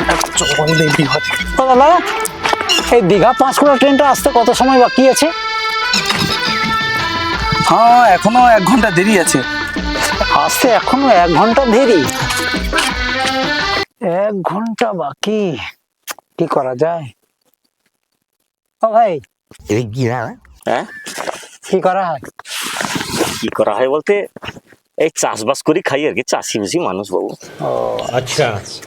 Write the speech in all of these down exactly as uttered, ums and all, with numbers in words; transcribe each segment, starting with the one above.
দাদা এই দীঘা পাঁশকুড়া ট্রেনটা আসতে কত সময় বাকি আছে? হ্যাঁ এখনো এক ঘন্টা দেরি আছে। আসতে এখনো এক ঘন্টা দেরি? এক ঘন্টা বাকি, কি করা যায়? ও ভাই, হ্যাঁ কি করা হয়? কি করা হয় বলতে এই চাষবাস করি খাই আর কি, চাষি বুঝি মানুষ বাবু। ও अच्छा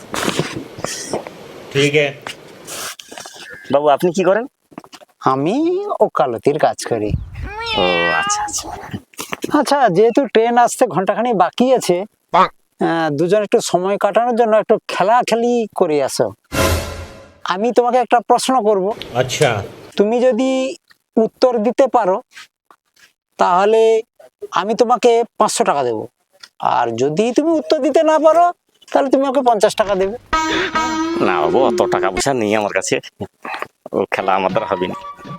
ठीक है। বাবু আপনি কি করেন? আমি ওকালতির কাজ করি। ও আচ্ছা আচ্ছা। আচ্ছা, যেহেতু ট্রেন আসতে ঘন্টাখানি বাকি আছে, আহ, দুজন একটু সময় কাটানোর জন্য একটু খেলা খেলি করে আসো। আমি তোমাকে একটা প্রশ্ন করব, अच्छा তুমি যদি উত্তর দিতে পারো তাহলে আমি তোমাকে পাঁচশো টাকা দেবো, আর যদি তুমি উত্তর দিতে না পারো তাহলে তুমি ওকে পঞ্চাশ টাকা দেবে। না বাবু, অত টাকা পয়সা নেই আমার কাছে, ও খেলা আমার দ্বারা হবে না।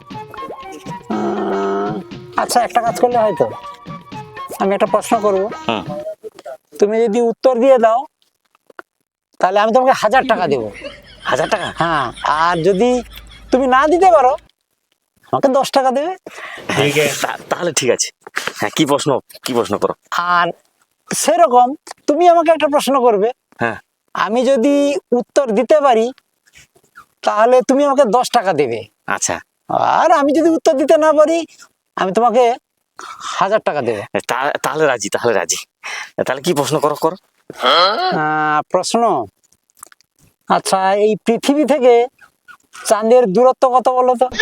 আহ, আচ্ছা, একটা কাজ করলে হয়তো, আমি একটা প্রশ্ন করব, হুম। তুমি যদি উত্তর দিয়ে দাও তাহলে আমি তোমাকে হাজার টাকা দেবো। হাজার টাকা? হ্যাঁ, আর যদি তুমি না দিতে পারো আমাকে দশ টাকা দেবে। ठीक है। তা- তাহলে ঠিক আছে। হ্যাঁ, কি প্রশ্ন কি প্রশ্ন করো? আর সেরকম তুমি আমাকে একটা প্রশ্ন করবে, হ্যাঁ আমি যদি উত্তর দিতে পারি তাহলে তুমি আমাকে দশ টাকা দেবে, আচ্ছা, আর আমি যদি উত্তর দিতে না পারি আমি তোমাকে হাজার টাকা দেবো। তা- তাহলে রাজি, তাহলে রাজি। তাহলে কি প্রশ্ন করো করো। আহ, প্রশ্ন, আচ্ছা, এই পৃথিবী থেকে চাঁদের দূরত্ব কত বলো তো?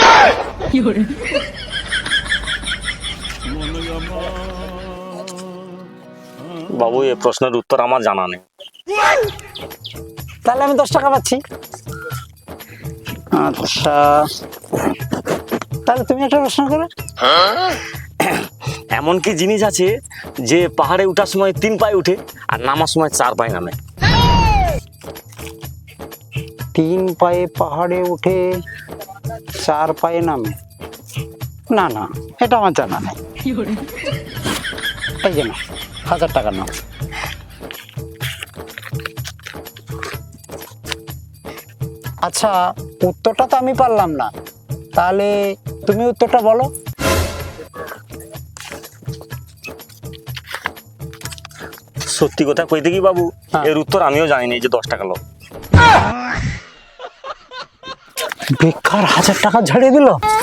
বাবু এই প্রশ্নের উত্তর আমার জানা নেই। তাহলে আমি দশ টাকা পাচ্ছি। আচ্ছা, তাহলে তুমি একটা প্রশ্ন করো। এমন কি জিনিস আছে যে পাহাড়ে ওঠার সময় তিন পায়ে উঠে আর নামার সময় চার পায়ে নামে? তিন পায়ে পাহাড়ে উঠে চার পায়ে নামে? না না, এটা আমার জানা নেই। এই যে না, হাজার টাকা নাও। আচ্ছা, উত্তরটা তো আমি পারলাম না, তাহলে তুমি উত্তরটা বলো। সত্যি কথা কইতে কি বাবু, হ্যাঁ। এর উত্তর আমিও জানি না, এই যে দশ টাকা লোক। বেকার হাজার টাকা ঝাড়িয়ে দিল।